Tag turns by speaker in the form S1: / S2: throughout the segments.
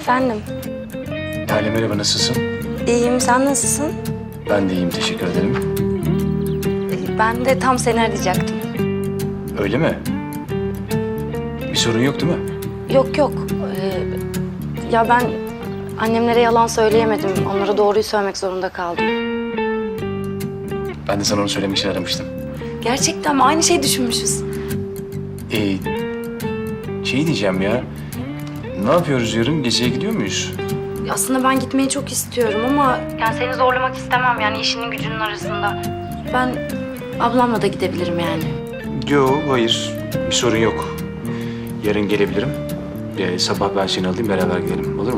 S1: Efendim?
S2: Lale merhaba, nasılsın?
S1: İyiyim, sen nasılsın?
S2: Ben de iyiyim, teşekkür ederim.
S1: Ben de tam seni arayacaktım.
S2: Öyle mi? Bir sorun yok değil mi?
S1: Yok yok. Ya ben annemlere yalan söyleyemedim. Onlara doğruyu söylemek zorunda kaldım.
S2: Ben de sana onu söylemek için aramıştım.
S1: Gerçekten mi? Aynı şeyi düşünmüşüz.
S2: Şey diyeceğim ya. Ne yapıyoruz yarın? Geziye gidiyor muyuz?
S1: Aslında ben gitmeyi çok istiyorum ama... Yani seni zorlamak istemem yani işinin gücünün arasında. Ben ablamla da gidebilirim yani.
S2: Yok, hayır. Bir sorun yok. Yarın gelebilirim. Sabah ben seni alayım, beraber gidelim. Olur mu?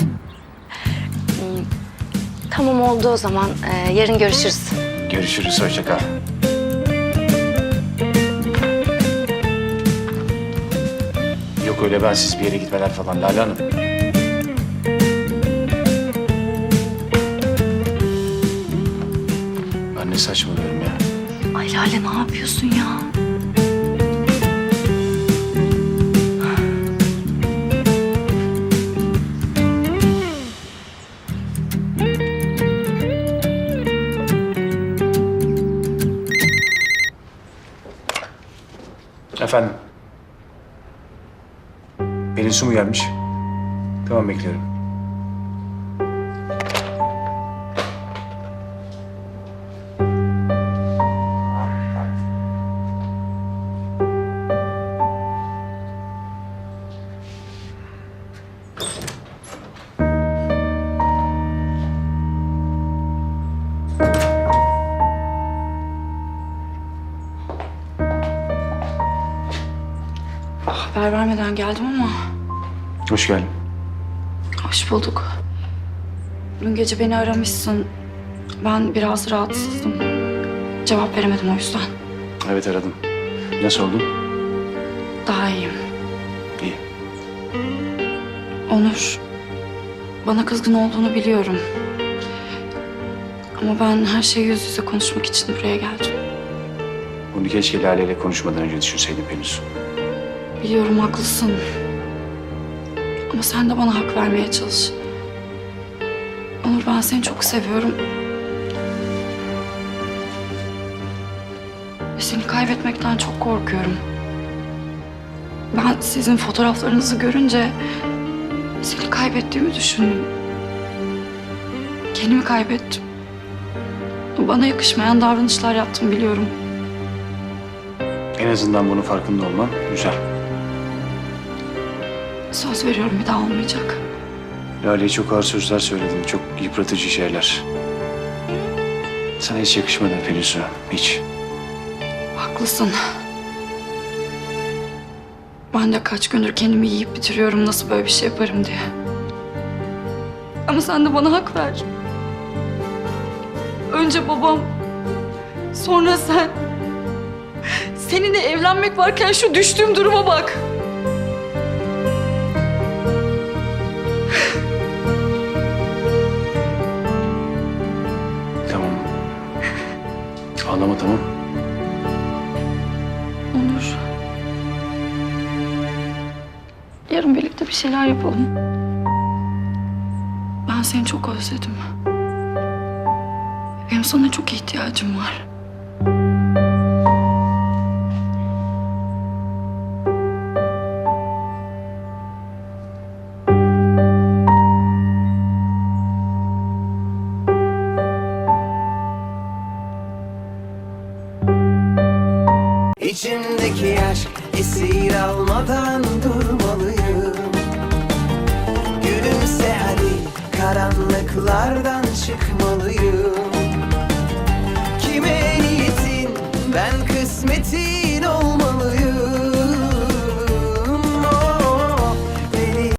S1: Tamam oldu o zaman. Yarın görüşürüz.
S2: Görüşürüz, hoşça kal. Yok öyle bensiz bir yere gitmeler falan Lale Hanım. Ben ne saçmalıyorum ya.
S1: Ay Lale ne yapıyorsun ya?
S2: Efendim? Pelin su mu gelmiş? Tamam, bekliyorum.
S1: Haber vermeden geldim ama
S2: Hoş geldin.
S1: hoş bulduk. Dün gece beni aramışsın. Ben biraz rahatsızdım. Cevap veremedim o yüzden.
S2: Evet, aradım. Nasıl oldun?
S1: Daha iyiyim.
S2: İyi.
S1: Onur, bana kızgın olduğunu biliyorum. Ama ben her şeyi yüz yüze konuşmak için buraya geldim.
S2: Bunu keşke Lale ile konuşmadan önce düşünseydin Pelin su.
S1: Biliyorum haklısın. Ama sen de bana hak vermeye çalış. Onur ben seni çok seviyorum. Ve seni kaybetmekten çok korkuyorum. Ben sizin fotoğraflarınızı görünce seni kaybettiğimi düşündüm. Kendimi kaybettim. Bana yakışmayan davranışlar yaptım biliyorum.
S2: En azından bunun farkında olman güzel.
S1: Söz veriyorum bir daha olmayacak.
S2: Lale'ye çok ağır sözler söyledim. Çok yıpratıcı şeyler. Sana hiç yakışmadı Pelin su. Hiç.
S1: Haklısın. Ben de kaç gündür kendimi yiyip bitiriyorum nasıl böyle bir şey yaparım diye. Ama sen de bana hak ver. Önce babam, sonra sen. Seninle evlenmek varken şu düştüğüm duruma bak.
S2: Tamam. Ağlama, tamam.
S1: Onur. Yarın birlikte bir şeyler yapalım. Ben seni çok özledim. Benim sana çok ihtiyacım var.
S3: İçimdeki aşk esir almadan durmalıyım. Gülümse hadi, karanlıklardan çıkmalıyım.